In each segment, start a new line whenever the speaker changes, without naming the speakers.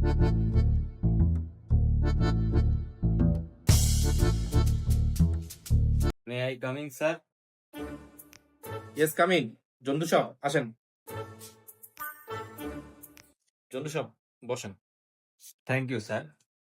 May I coming sir?
Yes coming. Jontu সাহেব আসেন। জন্টু সাহেব বসেন।
Thank you sir.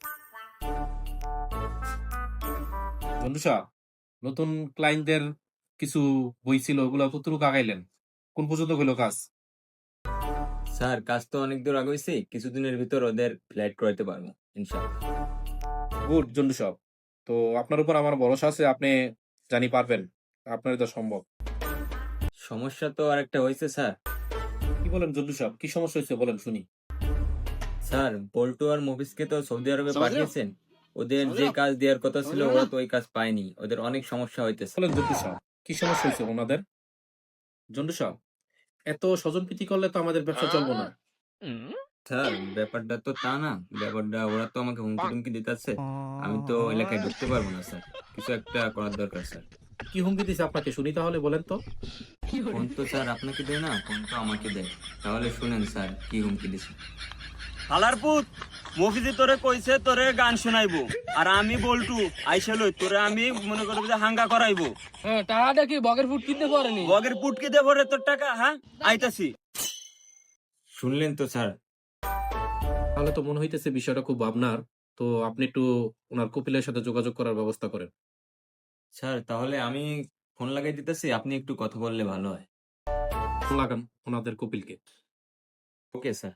জন্টু সাহেব, নতুন ক্লায়েন্টদের কিছু বই ছিল, ওগুলো কতটুকু আগাইলেন? কোন পর্যন্ত হইলো কাজ?
স্যার কাজ তো অনেক দূর আগাইছি, কিছুদিনের ভিতর ওদের ফ্লাইট করাইতে পারবো ইনশাআল্লাহ।
গুড জন্টু সাহেব। তো আপনার উপর আমার ভরসা আছে, আপনি জানি পারবেন, আপনার এটা সম্ভব।
সমস্যা তো আরেকটা হয়েছে স্যার।
কি বলেন জন্টু সাহেব, কি সমস্যা হয়েছে বলেন শুনি।
স্যার বল্টু আর মফিজকে তো সৌদি আরবে পাঠিয়েছেন, ওদের যে কাজ দেওয়ার কথা ছিল ওরা তো ওই কাজ পায়নি, ওদের অনেক সমস্যা হইতেছে।
বলেন জন্টু সাহেব, কি সমস্যা হয়েছে ওনাদের? জন্টু সাহেব, এত স্বজনপ্রীতি করলে তো আমাদের ব্যবসা চলবো না।
স্যার ব্যাপারটা তো তা না, ব্যাপারটা ওরা তো আমাকে হুমকি টুমকি দিতেছে, আমি তো এলাকায় ঢুকতে পারবো না স্যার, কিছু একটা করার দরকার স্যার।
কি হুমকি দিছে আপনাকে শুনি তাহলে, বলেন তো।
ফোন তো স্যার আপনাকে দেয় না, ফোন তো আমাকে দেয়, তাহলে শুনেন স্যার কি হুমকি দিছে।
হালারপুত মফিজি তোরে কইছে তোরে গান শোনাইবো, আর আমি বলটু আইসা লই তোরে আমি মনে করব যে হাঙ্গা করাইবো।
হ্যাঁ টাকাটা কি বগের ফুট কিনতে পারেনি?
বগের পুটকি দেব রে তোর টাকা, হ্যাঁ আইতাছি।
শুনলেন তো স্যার।
তাহলে তো মনে হইতেছে বিষয়টা খুব ভাবনার। তো আপনি একটু ওনার কপিলের সাথে যোগাযোগ করার ব্যবস্থা করেন।
স্যার তাহলে আমি ফোন লাগাই দিতেছি, আপনি একটু কথা বললে ভালো হয়।
ফোন লাগান ওনাদের কপিলকে।
Okay sir.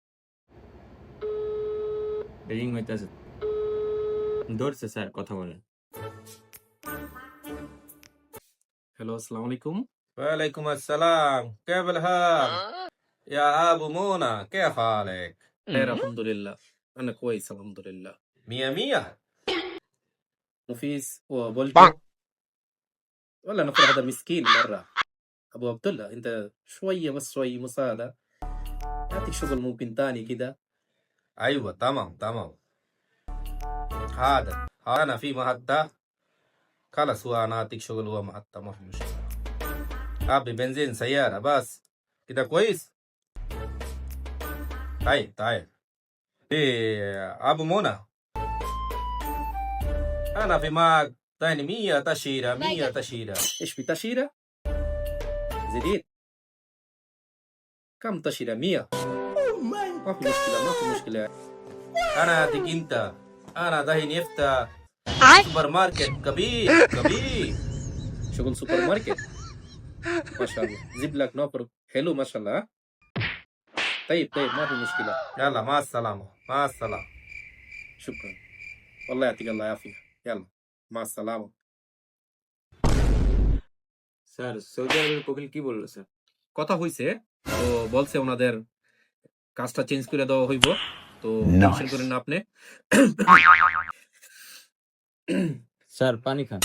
রিং হইতেছে, ধরছে স্যার, কথা বলেন।
হ্যালো, আসসালামু আলাইকুম।
وعليكم السلام، كيف الحال؟ يا أبو منى كيف حالك؟
خير الحمد لله، أنا كويس الحمد لله.
مية مية.
مفيس وبولتو ولا نفر هذا مسكين مرة. أبو عبد الله أنت شوية بس شوية مساعدة، أعطيك شغل ممكن تاني كده.
أيوة تمام تمام. هذا أنا في محطة، خلاص هو أنا أعطيك شغل، هو محطة ما في مشكلة. أبي بنزين سيارة بس كده كويس. طيب طيب. إيه أبو منى، أنا في معك تاني 100 تأشيرة 100 تأشيرة.
إيش في تأشيرة؟ جديد. كم تأشيرة؟ 100. ما في مشكلة ما في مشكلة.
أنا أعطيك أنت، أنا دحين يفتح سوبر ماركت كبير كبير.
شغل سوبر ماركت ما شاء الله، جيب لك نوفر حلو ما شاء الله. طيب طيب ما في مشكلة.
يلا مع السلامة مع السلامة.
شكرا، والله يعطيك الله العافية. يلا مع السلامة.
স্যার সৌদি আরবের কপিল কি বললো স্যার?
কথা হইছে, তো বলছে ওনাদের কাজটা চেঞ্জ করে দেওয়া হইব, তো টেনশন করেন না আপনি।
স্যার পানি খান।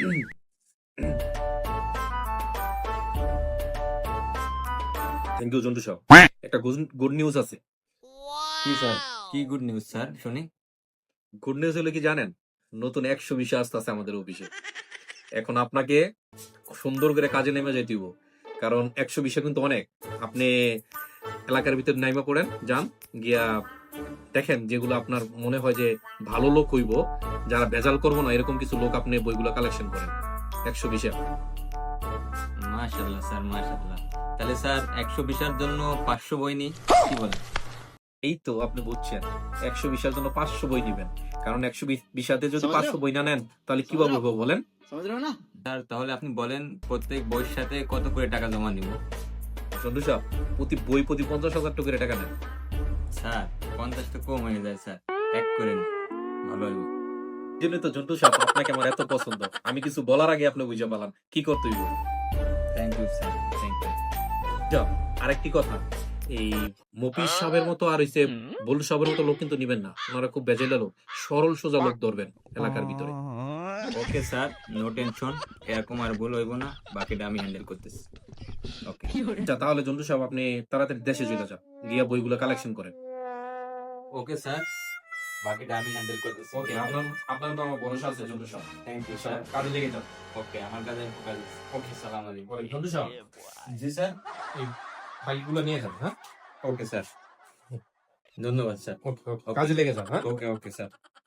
থ্যাংক ইউ জন্টু সাহেব। একটা গুড নিউজ আছে।
কি স্যার, কি গুড নিউজ স্যার শুনি।
গুড নিউজ হলো কি জানেন, নতুন 100 বিষয় আসতেছে আমাদের অফিসে। এখন আপনাকে সুন্দর করে কাজে নেমে যাইতে হইব, কারণ 100 বিষয় কিন্তু অনেক। আপনি এলাকার ভিতর নাইমা পড়েন, যান গিয়া দেখেন যেগুলো আপনার মনে হয় যে ভালো লোক হইব, যারা ভেজাল করবো না এরকম কিছু লোক আপনি বইগুলো কালেকশন করেন 100 বিষয়।
মাশাআল্লাহ স্যার মাশাআল্লাহ। তাহলে স্যার 120 জন্য 500 বই নি, কি বলেন?
এই তো আপনি বুঝছেন, 100 বিষয়ের জন্য 500 বই দিবেন, কারণ 100 বিষয়তে যদি 500 বই না নেন তাহলে কিভাবে হবে বলেন।
স্যার তাহলে আপনি বলেন প্রত্যেক বইয়ের সাথে কত করে টাকা জমা নিব?
চন্দ্র সাহেব, প্রতি বই প্রতি 50,000 টাকা করে টাকা নেন।
স্যার 50 তো কম হয়ে যায় স্যার, এক করে নিন, ভালো হইব।
জন্য তো জন্টু সাহেব আপনাকে আমার এত পছন্দ, আমি কিছু বলার আগে আপনি বুঝে পেলাম কি করতে হইব।
Thank you sir, thank you.
যাও, আরেকটি কথা, এই মফিজ সাহেবের মতো আর হইছে বলু সাহেবের মতো লোক কিন্তু নিবেন না, ওনারা খুব বেজেলা লোক, সরল সোজা লোক ধরবেন এলাকার ভিতরে।
ওকে স্যার, নো টেনশন, এরকম আর ভুল হইব না, বাকিটা আমি হ্যান্ডেল করতেছি। ওকে
আচ্ছা তাহলে জন্টু সাহেব আপনি তাড়াতাড়ি দেশে চলে যান, গিয়া বইগুলো কালেকশন করেন।
ওকে স্যার, বাকিটা আমি হ্যান্ডেল করতেছি।
ওকে, আপনার তো আমার ভরসা আছে জন্টু সাহেব।
Thank you sir.
কাজে লেগে যান।
ওকে, আমার কাছে ফোকাস। ওকে, সালাম আলাইকুম।
জন্টু সাহেব,
জি স্যার।
এই ফাইলগুলো নিয়ে যান। হ্যাঁ,
ওকে স্যার। ধন্যবাদ স্যার।
ওকে ওকে কাজে লেগে যান, হ্যাঁ?
Okay okay sir.